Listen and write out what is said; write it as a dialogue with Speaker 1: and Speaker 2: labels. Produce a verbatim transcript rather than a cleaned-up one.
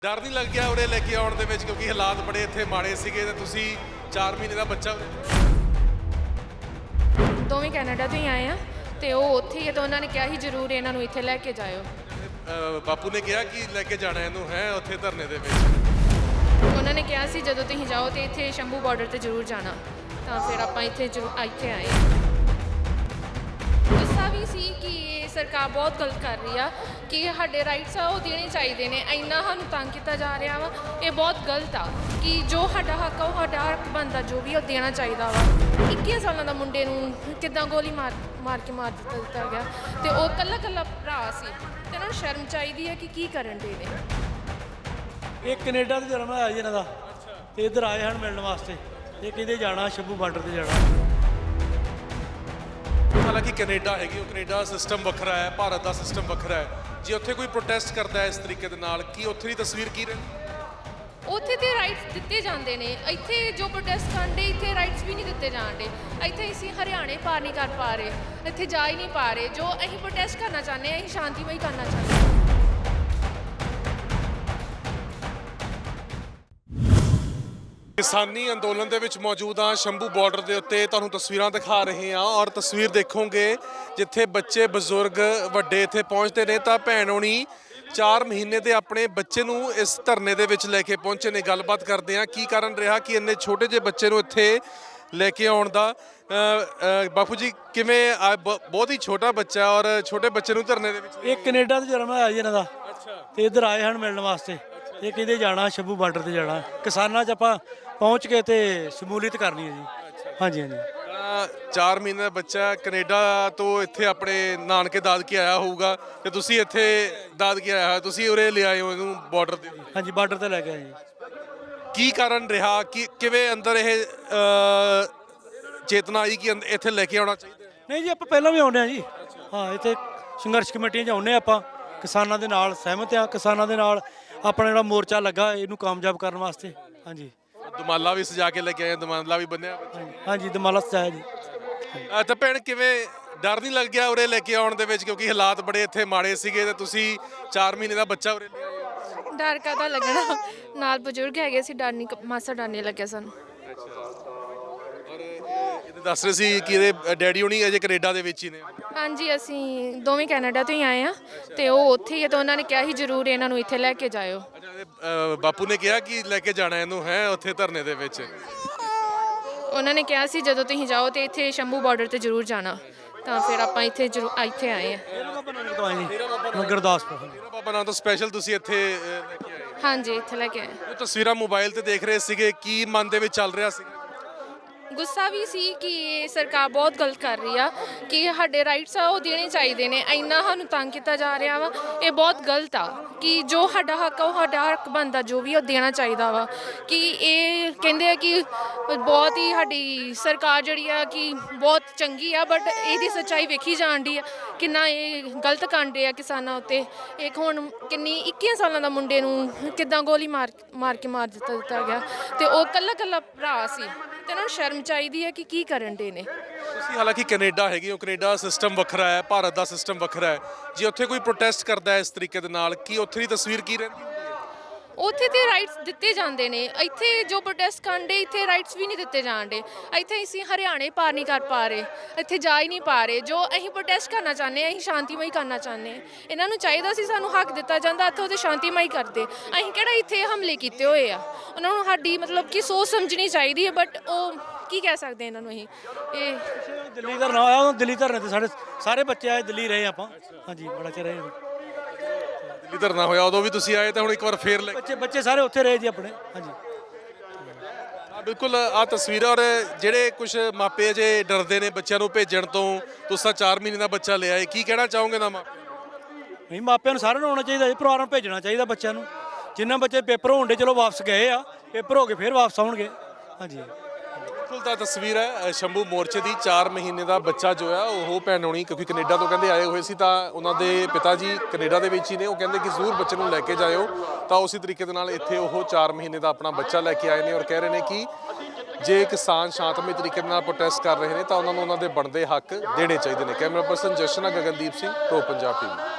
Speaker 1: डर नहीं लग गया उरे लेके आउण दे विच क्योंकि हालात बड़े इत्थे माड़े सीगे ते तुसीं चार महीने ਦਾ ਬੱਚਾ
Speaker 2: ਦੋਵੇਂ ਕੈਨੇਡਾ ਤੋਂ ਹੀ ਆਏ ਆ ਤੇ ਉਹ ਉੱਥੇ ਹੀ ਆ ਤਾਂ ਉਹਨਾਂ ਨੇ ਕਿਹਾ ਸੀ ਜ਼ਰੂਰ ਇਹਨਾਂ ਨੂੰ ਇੱਥੇ ਲੈ ਕੇ ਜਾਇਓ।
Speaker 1: ਬਾਪੂ ਨੇ ਕਿਹਾ ਕਿ ਲੈ ਕੇ ਜਾਣਾ ਇਹਨੂੰ ਹੈ ਉੱਥੇ ਧਰਨੇ ਦੇ ਵਿੱਚ।
Speaker 2: ਉਹਨਾਂ ਨੇ ਕਿਹਾ ਸੀ ਜਦੋਂ ਤੁਸੀਂ ਜਾਓ ਤੇ ਇੱਥੇ ਸ਼ੰਭੂ ਬਾਰਡਰ ਤੇ ਜ਼ਰੂਰ ਜਾਣਾ, ਤਾਂ ਫਿਰ ਆਪਾਂ ਇੱਥੇ ਜ਼ਰੂਰ ਇੱਥੇ ਆਏ। ਗੁੱਸਾ ਵੀ ਸੀ ਕਿ ਇਹ ਸਰਕਾਰ ਬਹੁਤ ਗਲਤ ਕਰ ਰਹੀ ਆ ਕਿ ਸਾਡੇ ਰਾਈਟਸ ਆ ਉਹ ਦੇਣੇ ਚਾਹੀਦੇ ਨੇ, ਇੰਨਾ ਸਾਨੂੰ ਤੰਗ ਕੀਤਾ ਜਾ ਰਿਹਾ ਵਾ, ਇਹ ਬਹੁਤ ਗਲਤ ਆ ਕਿ ਜੋ ਸਾਡਾ ਹੱਕ ਆ ਉਹ ਸਾਡਾ ਹੱਕ ਬਣਦਾ ਜੋ ਵੀ ਉਹ ਦੇਣਾ ਚਾਹੀਦਾ ਵਾ। ਇੱਕੀ ਸਾਲਾਂ ਦਾ ਮੁੰਡੇ ਨੂੰ ਕਿੱਦਾਂ ਗੋਲੀ ਮਾਰ ਮਾਰ ਕੇ ਮਾਰ ਦਿੱਤਾ ਦਿੱਤਾ ਗਿਆ ਤੇ ਉਹ ਇਕੱਲਾ ਇਕੱਲਾ ਭਰਾ ਸੀ ਤੇ ਉਹਨਾਂ ਨੂੰ ਸ਼ਰਮ ਚਾਹੀਦੀ ਹੈ ਕਿ ਕੀ ਕਰਨ ਦੇ ਨੇ।
Speaker 3: ਇਹ ਕੈਨੇਡਾ ਤੋਂ ਜਨਮ ਹੋਇਆ ਜੀ ਇਹਨਾਂ ਦਾ ਤੇ ਇੱਧਰ ਆਏ ਹਨ ਮਿਲਣ ਵਾਸਤੇ। ਇਹ ਕਹਿੰਦੇ ਜਾਣਾ ਸ਼ੰਭੂ ਬਾਰਡਰ ਤੇ ਜਾਣਾ।
Speaker 1: ਹਾਲਾਂਕਿ ਕੈਨੇਡਾ ਹੈਗੀ ਉਹ ਕੈਨੇਡਾ ਸਿਸਟਮ ਵੱਖਰਾ ਹੈ, ਭਾਰਤ ਦਾ ਸਿਸਟਮ ਵੱਖਰਾ ਹੈ। ਜੇ ਉੱਥੇ ਕੋਈ ਪ੍ਰੋਟੈਸਟ ਕਰਦਾ ਹੈ ਇਸ ਤਰੀਕੇ ਦੇ ਨਾਲ ਕੀ ਉੱਥੇ ਦੀ ਤਸਵੀਰ ਕੀ ਰਹਿੰਦੀ?
Speaker 2: ਉੱਥੇ ਤੇ ਰਾਈਟਸ ਦਿੱਤੇ ਜਾਂਦੇ ਨੇ, ਇੱਥੇ ਜੋ ਪ੍ਰੋਟੈਸਟ ਕਰਦੇ ਇੱਥੇ ਰਾਈਟਸ ਵੀ ਨਹੀਂ ਦਿੱਤੇ ਜਾਂਦੇ। ਇੱਥੇ ਅਸੀਂ ਹਰਿਆਣੇ ਪਾਰ ਨਹੀਂ ਕਰ ਪਾ ਰਹੇ, ਇੱਥੇ ਜਾ ਹੀ ਨਹੀਂ ਪਾ ਰਹੇ। ਜੋ ਅਸੀਂ ਪ੍ਰੋਟੈਸਟ ਕਰਨਾ ਚਾਹੁੰਦੇ ਹਾਂ ਅਸੀਂ ਸ਼ਾਂਤੀਮਈ ਕਰਨਾ ਚਾਹੁੰਦੇ ਹਾਂ।
Speaker 1: ਕਿਸਾਨੀ ਅੰਦੋਲਨ ਦੇ ਵਿੱਚ ਮੌਜੂਦ ਹਾਂ ਸ਼ੰਭੂ ਬਾਰਡਰ ਦੇ ਉੱਤੇ, ਤੁਹਾਨੂੰ ਤਸਵੀਰਾਂ ਦਿਖਾ ਰਹੇ ਹਾਂ ਔਰ ਤਸਵੀਰ ਦੇਖੋਗੇ ਜਿੱਥੇ ਬੱਚੇ ਬਜ਼ੁਰਗ ਵੱਡੇ ਇੱਥੇ ਪਹੁੰਚਦੇ ਨੇ ਤਾਂ ਭੈਣ ਹੋਣੀ ਚਾਰ ਮਹੀਨੇ ਦੇ ਆਪਣੇ ਬੱਚੇ ਨੂੰ ਇਸ ਧਰਨੇ ਦੇ ਵਿੱਚ ਲੈ ਕੇ ਪਹੁੰਚੇ ਨੇ। ਗੱਲਬਾਤ ਕਰਦੇ ਹਾਂ ਕੀ ਕਾਰਨ ਰਿਹਾ ਕਿ ਇੰਨੇ ਛੋਟੇ ਜਿਹੇ ਬੱਚੇ ਨੂੰ ਇੱਥੇ ਲੈ ਕੇ ਆਉਣ ਦਾ। ਬਾਪੂ ਜੀ ਕਿਵੇਂ ਬਹੁਤ ਹੀ ਛੋਟਾ ਬੱਚਾ ਔਰ ਛੋਟੇ ਬੱਚੇ ਨੂੰ ਧਰਨੇ ਦੇ ਵਿੱਚ?
Speaker 3: ਇਹ ਕੈਨੇਡਾ ਤੋਂ ਜਨਮ ਹੋਇਆ ਜੀ ਇਹਨਾਂ ਦਾ ਤੇ ਇੱਧਰ ਆਏ ਹਨ ਮਿਲਣ ਵਾਸਤੇ। ਇਹ ਕਹਿੰਦੇ ਜਾਣਾ ਸ਼ੰਭੂ ਬਾਰਡਰ ਤੇ ਜਾਣਾ, ਕਿਸਾਨਾਂ 'ਚ ਆਪਾਂ ਪਹੁੰਚ ਕੇ ਤੇ ਸ਼ਮੂਲੀਅਤ ਕਰਨੀ ਹੈ ਜੀ। ਹਾਂਜੀ ਹਾਂਜੀ
Speaker 1: ਚਾਰ ਮਹੀਨੇ ਦਾ ਬੱਚਾ ਕੈਨੇਡਾ ਤੋਂ ਇੱਥੇ ਆਪਣੇ ਨਾਨਕੇ ਦਾਦਕੇ ਆਇਆ ਹੋਊਗਾ ਤੇ ਤੁਸੀਂ ਇੱਥੇ ਦਾਦਕੇ ਆਇਆ ਹੋਇਆ, ਤੁਸੀਂ ਉਰੇ ਲਿਆਏ ਹੋ ਇਹਨੂੰ ਬਾਰਡਰ ਤੇ?
Speaker 3: ਹਾਂਜੀ ਬਾਰਡਰ ਤੇ ਲੈ ਕੇ ਆਏ ਜੀ।
Speaker 1: ਕੀ ਕਾਰਨ ਰਿਹਾ ਕਿ ਕਿਵੇਂ ਅੰਦਰ ਇਹ ਚੇਤਨਾ ਆਈ ਕਿ ਇੱਥੇ ਲੈ ਕੇ ਆਉਣਾ ਚਾਹੀਦਾ?
Speaker 3: ਨਹੀਂ ਜੀ ਆਪਾਂ ਪਹਿਲਾਂ ਵੀ ਆਉਂਦੇ ਹਾਂ ਜੀ। ਹਾਂ ਇੱਥੇ ਸੰਘਰਸ਼ ਕਮੇਟੀਆਂ 'ਚ ਆਉਂਦੇ ਆਪਾਂ, ਕਿਸਾਨਾਂ ਦੇ ਨਾਲ ਸਹਿਮਤ ਆ, ਕਿਸਾਨਾਂ ਦੇ ਨਾਲ ਆਪਣਾ ਜਿਹੜਾ ਮੋਰਚਾ ਲੱਗਾ ਇਹਨੂੰ ਕਾਮਯਾਬ ਕਰਨ ਵਾਸਤੇ। ਹਾਂਜੀ
Speaker 1: ਦਮਾਲਾ ਵੀ ਸਜਾ ਕੇ ਲੈ ਕੇ ਆਏ, ਦਮਾਲਾ ਵੀ ਬੰਨਿਆ?
Speaker 3: ਹਾਂਜੀ ਦਮਾਲਾ ਸਜਾਇਆ ਜੀ।
Speaker 1: ਤਾਂ ਭੈਣ ਕਿਵੇਂ ਡਰ ਨਹੀਂ ਲੱਗ ਗਿਆ ਉਰੇ ਲੈ ਕੇ ਆਉਣ ਦੇ ਵਿੱਚ ਕਿਉਂਕਿ ਹਾਲਾਤ ਬੜੇ ਇੱਥੇ ਮਾੜੇ ਸੀਗੇ ਤੇ ਤੁਸੀਂ ਚਾਰ ਮਹੀਨੇ ਦਾ ਬੱਚਾ ਉਰੇ ਲਿਆਏ ਹੋ?
Speaker 2: ਡਰ ਕਾਹਦਾ ਲੱਗਣਾ, ਨਾਲ ਬਜ਼ੁਰਗ ਹੈਗੇ ਸੀ, ਡਰ ਨਹੀਂ ਮਾਸਾ ਡਰ ਨਹੀਂ ਲੱਗਿਆ ਸਾਨੂੰ।
Speaker 1: ਔਰ ਇਹ ਦੱਸ ਰਹੇ ਸੀ ਕਿ ਇਹਦੇ ਡੈਡੀ ਹੋਣੀ ਅਜੇ ਕੈਨੇਡਾ ਦੇ ਵਿੱਚ ਹੀ ਨੇ?
Speaker 2: ਹਾਂਜੀ ਅਸੀਂ ਦੋਵੇਂ ਕੈਨੇਡਾ ਤੋਂ ਹੀ ਆਏ ਆ ਤੇ ਉਹ ਉੱਥੇ ਹੀ ਆ ਤਾਂ ਉਹਨਾਂ ਨੇ ਕਿਹਾ ਸੀ ਜ਼ਰੂਰ ਇਹਨਾਂ ਨੂੰ ਇੱਥੇ ਲੈ ਕੇ ਜਾਇਓ।
Speaker 1: ਬਾਪੂ ਨੇ ਕਿਹਾ ਕਿ ਲੈ ਕੇ ਜਾਣਾ ਇਹਨੂੰ ਹੈ ਉੱਥੇ ਧਰਨੇ ਦੇ ਵਿੱਚ।
Speaker 2: ਉਹਨਾਂ ਨੇ ਕਿਹਾ ਸੀ ਜਦੋਂ ਤੁਸੀਂ ਜਾਓ ਤੇ ਇੱਥੇ ਸ਼ੰਭੂ ਬਾਰਡਰ ਤੇ ਜ਼ਰੂਰ ਜਾਣਾ, ਤਾਂ ਫਿਰ ਆਪਾਂ ਇੱਥੇ ਜ਼ਰੂਰ ਇੱਥੇ ਆਏ ਆ।
Speaker 3: ਗੁਰਦਾਸਪੁਰ
Speaker 1: ਬਾਬਾ ਨਾਮ ਤੋਂ ਸਪੈਸ਼ਲ ਤੁਸੀਂ ਇੱਥੇ ਲੈ ਕੇ ਆਏ?
Speaker 2: ਹਾਂਜੀ ਇੱਥੇ ਲੈ ਕੇ ਆਏ।
Speaker 1: ਉਹ ਤਸਵੀਰਾਂ ਮੋਬਾਈਲ ਤੇ ਦੇਖ ਰਹੇ ਸੀਗੇ, ਕੀ ਮਨ ਦੇ ਵਿੱਚ ਚੱਲ ਰਿਹਾ ਸੀ?
Speaker 2: ਗੁੱਸਾ ਵੀ ਸੀ ਕਿ ਇਹ ਸਰਕਾਰ ਬਹੁਤ ਗਲਤ ਕਰ ਰਹੀ ਆ ਕਿ ਸਾਡੇ ਰਾਈਟਸ ਆ ਉਹ ਦੇਣੇ ਚਾਹੀਦੇ ਨੇ, ਇੰਨਾ ਸਾਨੂੰ ਤੰਗ ਕੀਤਾ ਜਾ ਰਿਹਾ ਵਾ, ਇਹ ਬਹੁਤ ਗਲਤ ਆ ਕਿ ਜੋ ਸਾਡਾ ਹੱਕ ਆ ਉਹ ਸਾਡਾ ਹੱਕ ਬਣਦਾ ਜੋ ਵੀ ਉਹ ਦੇਣਾ ਚਾਹੀਦਾ ਵਾ। ਕਿ ਇਹ ਕਹਿੰਦੇ ਆ ਕਿ ਬਹੁਤ ਹੀ ਸਾਡੀ ਸਰਕਾਰ ਜਿਹੜੀ ਆ ਕਿ ਬਹੁਤ ਚੰਗੀ ਆ, ਬਟ ਇਹਦੀ ਸੱਚਾਈ ਵੇਖੀ ਜਾਣ ਦੀ ਆ ਕਿੰਨਾ ਇਹ ਗਲਤ ਕਾਂਡੇ ਆ ਕਿਸਾਨਾਂ ਉੱਤੇ। ਇੱਕ ਹੁਣ ਕਿੰਨੀ ਇੱਕੀ ਸਾਲਾਂ ਦਾ ਮੁੰਡੇ ਨੂੰ ਕਿੱਦਾਂ ਗੋਲੀ ਮਾਰ ਮਾਰ ਕੇ ਮਾਰ ਦਿੱਤਾ ਦਿੱਤਾ ਗਿਆ ਤੇ ਉਹ ਇਕੱਲਾ ਇਕੱਲਾ ਭਰਾ ਸੀ ਤੇ ਉਹਨਾਂ ਨੂੰ ਸ਼ਰਮ ਚਾਹੀਦੀ ਹੈ ਕਿ ਕੀ ਕਰਨ ਦੇ ਨੇ।
Speaker 1: ਤੁਸੀਂ ਹਾਲਾਂਕਿ ਕੈਨੇਡਾ ਹੈਗੀ ਉਹ ਕੈਨੇਡਾ ਸਿਸਟਮ ਵੱਖਰਾ ਹੈ, ਭਾਰਤ ਦਾ ਸਿਸਟਮ ਵੱਖਰਾ ਹੈ। ਜੇ ਉੱਥੇ ਕੋਈ ਪ੍ਰੋਟੈਸਟ ਕਰਦਾ ਹੈ ਇਸ ਤਰੀਕੇ ਦੇ ਨਾਲ ਕੀ ਉੱਥੇ ਦੀ ਤਸਵੀਰ ਕੀ ਰਹਿੰਦੀ?
Speaker 2: ਉੱਥੇ ਤੇ ਰਾਈਟਸ ਦਿੱਤੇ ਜਾਂਦੇ ਨੇ, ਇੱਥੇ ਜੋ ਪ੍ਰੋਟੈਸਟ ਕਰਦੇ ਇੱਥੇ ਰਾਈਟਸ ਵੀ ਨਹੀਂ ਦਿੱਤੇ ਜਾਂਦੇ। ਇੱਥੇ ਅਸੀਂ ਹਰਿਆਣੇ ਪਾਰ ਨਹੀਂ ਕਰ ਪਾ ਰਹੇ, ਇੱਥੇ ਜਾ ਹੀ ਨਹੀਂ ਪਾ ਰਹੇ। ਜੋ ਅਸੀਂ ਪ੍ਰੋਟੈਸਟ ਕਰਨਾ ਚਾਹੁੰਦੇ ਹਾਂ ਅਸੀਂ ਸ਼ਾਂਤੀਮਈ ਕਰਨਾ ਚਾਹੁੰਦੇ ਹਾਂ। ਇਹਨਾਂ ਨੂੰ ਚਾਹੀਦਾ ਸੀ ਸਾਨੂੰ ਹੱਕ ਦਿੱਤਾ ਜਾਂਦਾ, ਇੱਥੇ ਉਹਦੇ ਸ਼ਾਂਤੀਮਈ ਕਰਦੇ। ਅਸੀਂ ਕਿਹੜਾ ਇੱਥੇ ਹਮਲੇ ਕੀਤੇ ਹੋਏ ਆ, ਉਹਨਾਂ ਨੂੰ ਸਾਡੀ ਮਤਲਬ ਕਿ ਸੋਚ ਸਮਝਣੀ ਚਾਹੀਦੀ ਹੈ, ਬਟ ਉਹ ਕੀ ਕਹਿ ਸਕਦੇ ਇਹਨਾਂ ਨੂੰ? ਅਸੀਂ ਇਹ
Speaker 3: ਦਿੱਲੀ ਧਰਨਾ ਹੋਇਆ, ਉਹ ਦਿੱਲੀ ਧਰਨੇ ਤੇ ਸਾਡੇ ਸਾਰੇ ਬੱਚੇ ਆਏ, ਦਿੱਲੀ ਰਹੇ ਆਪਾਂ। ਹਾਂਜੀ ਬੜਾ ਚਿਰ ਰਹੇ
Speaker 1: ਦਿੱਲੀ ਧਰਨਾ ਹੋਇਆ ਉਦੋਂ ਵੀ ਤੁਸੀਂ ਆਏ ਤਾਂ ਹੁਣ ਇੱਕ ਵਾਰ ਫੇਰ ਲੈ
Speaker 3: ਬੱਚੇ ਬੱਚੇ ਸਾਰੇ ਉੱਥੇ ਰਹੇ ਜੀ ਆਪਣੇ। ਹਾਂਜੀ
Speaker 1: ਬਿਲਕੁਲ ਆਹ ਤਸਵੀਰਾਂ। ਔਰ ਜਿਹੜੇ ਕੁਝ ਮਾਪੇ ਅਜੇ ਡਰਦੇ ਨੇ ਬੱਚਿਆਂ ਨੂੰ ਭੇਜਣ ਤੋਂ, ਤੁਸੀਂ ਚਾਰ ਮਹੀਨੇ ਦਾ ਬੱਚਾ ਲਿਆ ਹੈ, ਕੀ ਕਹਿਣਾ ਚਾਹੋਗੇ ਨਾ ਮਾਪੇ?
Speaker 3: ਨਹੀਂ ਮਾਪਿਆਂ ਨੂੰ ਸਾਰਿਆਂ ਨੂੰ ਆਉਣਾ ਚਾਹੀਦਾ ਜੀ, ਪਰਿਵਾਰਾਂ ਨੂੰ ਭੇਜਣਾ ਚਾਹੀਦਾ ਬੱਚਿਆਂ ਨੂੰ। ਜਿੰਨਾ ਬੱਚੇ ਪੇਪਰ ਹੋਣ ਦੇ ਚਲੋ ਵਾਪਸ ਗਏ ਆ, ਪੇਪਰ ਹੋ ਕੇ ਫਿਰ ਵਾਪਸ ਆਉਣਗੇ। ਹਾਂਜੀ
Speaker 1: ਬਿਲਕੁਲ ਤਾਂ ਤਸਵੀਰ ਹੈ ਸ਼ੰਭੂ ਮੋਰਚੇ ਦੀ। ਚਾਰ ਮਹੀਨੇ ਦਾ ਬੱਚਾ ਜੋ ਹੈ ਉਹ ਭੈਣ ਹੋਣੀ ਕਿਉਂਕਿ ਕੈਨੇਡਾ ਤੋਂ ਕਹਿੰਦੇ ਆਏ ਹੋਏ ਸੀ ਤਾਂ ਉਹਨਾਂ ਦੇ ਪਿਤਾ ਜੀ ਕੈਨੇਡਾ ਦੇ ਵਿੱਚ ਹੀ ਨੇ। ਉਹ ਕਹਿੰਦੇ ਕਿ ਜ਼ਰੂਰ ਬੱਚੇ ਨੂੰ ਲੈ ਕੇ ਜਾਇਓ, ਤਾਂ ਉਸੇ ਤਰੀਕੇ ਦੇ ਨਾਲ ਇੱਥੇ ਉਹ ਚਾਰ ਮਹੀਨੇ ਦਾ ਆਪਣਾ ਬੱਚਾ ਲੈ ਕੇ ਆਏ ਨੇ ਔਰ ਕਹਿ ਰਹੇ ਨੇ ਕਿ ਜੇ ਕਿਸਾਨ ਸ਼ਾਂਤਮਈ ਤਰੀਕੇ ਨਾਲ ਪ੍ਰੋਟੈਸਟ ਕਰ ਰਹੇ ਨੇ ਤਾਂ ਉਹਨਾਂ ਨੂੰ ਉਹਨਾਂ ਦੇ ਬਣਦੇ ਹੱਕ ਦੇਣੇ ਚਾਹੀਦੇ ਨੇ। Camera person Jashan Gagandeep Singh, pro Punjab TV.